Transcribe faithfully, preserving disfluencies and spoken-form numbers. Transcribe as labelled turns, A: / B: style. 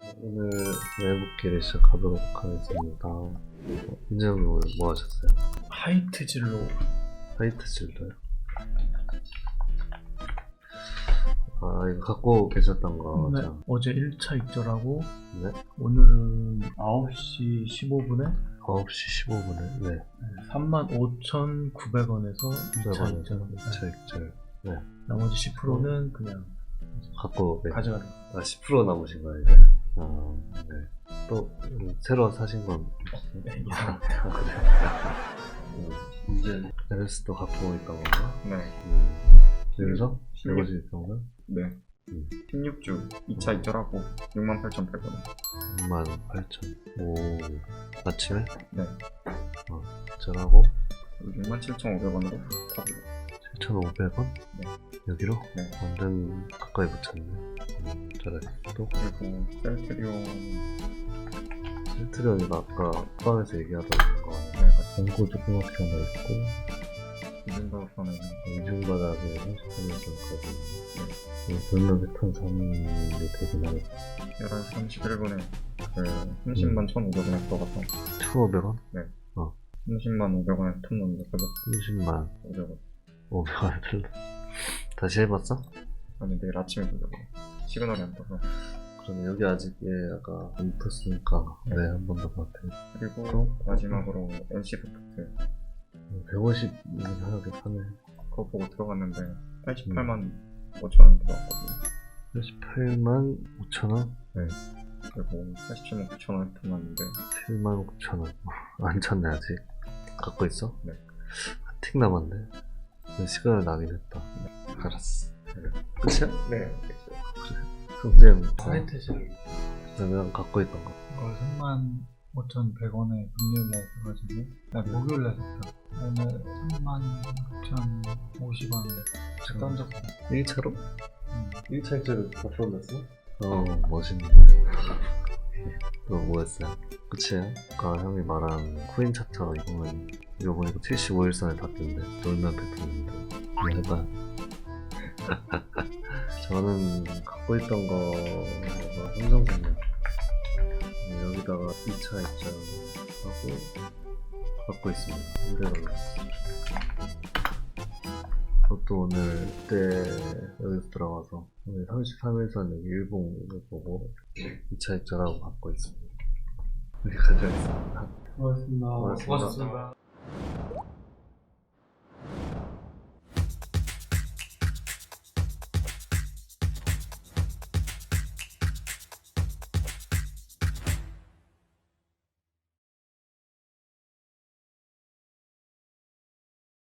A: 오늘 외국기를 시작하도록 하겠습니다. 어, 인재형님 오늘 뭐 하셨어요?
B: 하이트 진로.
A: 화이트 질러요? 아, 이거 갖고 계셨던 거.
B: 네.
A: 죠
B: 어제 일 차 입절하고
A: 네?
B: 오늘은 아홉 시 십오 분에
A: 아홉 시 십오 분에 네.
B: 삼만 오천구백 원에서 이 차
A: 백 원에서
B: 입절.
A: 이 차 입절. 네.
B: 나머지 십 퍼센트는 그냥
A: 갖고 네.
B: 가져가는 거.
A: 아, 십 퍼센트 남으신 거예요, 이제? 아, 네. 또 음, 새로 사신 건 없어요?
B: 네, 이상.
A: 아, 그래요? 음, 이제 에베스도 갖고 있던 건가?
C: 네.
A: 음. 여기서
C: 십육.
A: 백오십 있던 건가?
C: 네.
A: 음.
C: 십육 주 이 차 입절하고 육만 팔천백 원.
A: 육만 팔천. 오, 아침에?
C: 네.
A: 전하고
C: 육만 칠천오백 원으로 타고요.
A: 칠천오백 원?
C: 네.
A: 여기로?
C: 네.
A: 완전 가까이 붙였네. 음, 잘했어. 또
C: 그리고 셀트리온
A: 셀트리온이가 아까 포함해서 얘기하던 거
C: 네, 같이
A: 공고 조그맣게 하나 있고
C: 이중가선은
A: 이중바닥에 삼십 퍼센트까지 돌면 패턴 삼인데 되긴 하겠다.
C: 열한 시 삼십일 분에 그 삼십만 천오백 원에 들어가서
A: 천오백 원?
C: 삼십만 오백 원에 틈 넣는다. 그래서
A: 삼십만
C: 오백 원.
A: 오백 원을 틀려. 다시 해봤어?
C: 아니 내일 아침에 보려고. 시그널이 안 떠서.
A: 그러면 여기 아직 얘 아까 안 풀었으니까
C: 네.
A: 네, 한 번 더 봐도 돼.
C: 그리고
A: 또?
C: 마지막으로 엔씨부프트
A: 백오십 하나게 파네.
C: 그거 보고 들어갔는데 팔십팔만 오천 원 들어갔거든요.
A: 팔십팔만 오천 원?
C: 그리고 팔십칠만 구천 원에 틈 넣었는데
A: 칠만 구천 원. 안 찼네 아직. 갖고 있어?
C: 네.
A: 틱 남았네. 시간을 나긴 했다. 알았어. 끝이야?
C: 네.
A: 그럼
B: 하이트 진로.
A: 그러면 갖고 있던 거.
B: 이걸 삼만 오천백 원에 금요일날 사가지고 나 목요일날 샀다. 오늘 삼만 오천오십 원에 책 던졌어.
A: 일 차로?
B: 음.
A: 일 차 입자를 다 풀어냈어? 어, 멋있네. 또 뭐였어요? 끝이에요? 아까 형이 말한 코인 차트 이거는 이거 보니까 칠십오 일선에 닿던데 돌면 패턴인데 한번 해봐요. 저는 갖고 있던 거가 삼성생명 여기다가 이 차 입장하고 갖고 있습니다. 오래 걸렸어. 그것도 오늘 그때 여기서 들어가서 오늘 삼십삼 일선 여기 일봉을 보고 이 차 입장하고 갖고 있습니다. 여기 가져있습니다.
B: 고맙습니다.
A: 고맙습니다.
B: 고맙습니다.